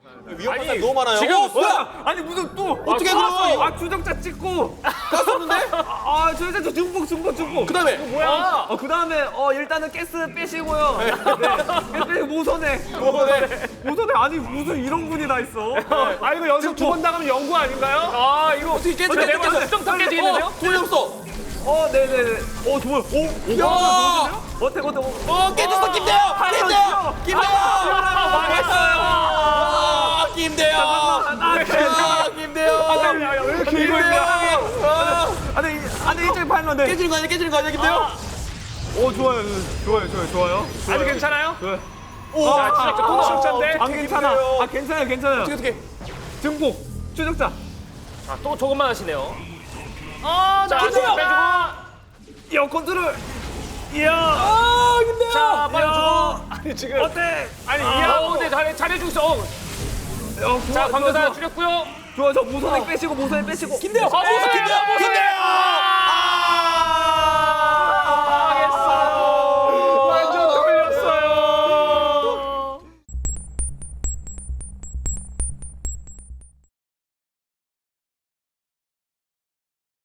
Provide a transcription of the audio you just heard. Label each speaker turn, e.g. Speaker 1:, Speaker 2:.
Speaker 1: 위험한 사람 너무 많아요.
Speaker 2: 지금
Speaker 1: 뭐야?
Speaker 3: 아니 무슨 또
Speaker 1: 어떻게 그럼?
Speaker 3: 아 주정자 찍고
Speaker 1: 깠었는데?
Speaker 3: 주정자 중복.
Speaker 1: 그다음에
Speaker 2: 뭐야?
Speaker 3: 그다음에 일단은 가스 빼시고요. 네. 가스 빼고 모선에 아니 무슨 이런 분이 다 있어.
Speaker 2: 아 이거 연습 두 번 나가면 연구 아닌가요? 아 이거
Speaker 1: 어떻게 깨지?
Speaker 2: 내가 봐도 수정탑 깨지겠는데요?
Speaker 1: 돈이 없어.
Speaker 3: 네네네. 좋아요.
Speaker 1: 야!
Speaker 3: 어때?
Speaker 1: 깨졌어 김대영. 김대영. 김대영. 김대영.
Speaker 2: 왜 이렇게 이거 있냐?
Speaker 3: 아니 일찍 팔면 돼.
Speaker 1: 깨지는 거 아니야 김대영?
Speaker 3: 좋아요.
Speaker 2: 아직 괜찮아요?
Speaker 1: 오.
Speaker 2: 자 진짜 또 진짜인데?
Speaker 3: 안 괜찮아. 괜찮아요.
Speaker 1: 어떻게?
Speaker 3: 중복 추적자.
Speaker 2: 또 조금만 하시네요. 자
Speaker 1: 김대영!
Speaker 2: 빼주고.
Speaker 3: 컨트롤. 이야.
Speaker 1: 김대영.
Speaker 2: 자 빨리 줘. 아니 지금
Speaker 3: 어때?
Speaker 2: 아니 근데 잘해주고 있어. 자 광교사 줄였고요.
Speaker 3: 좋아 저 모선에 빼시고.
Speaker 1: 김대영. 김대영.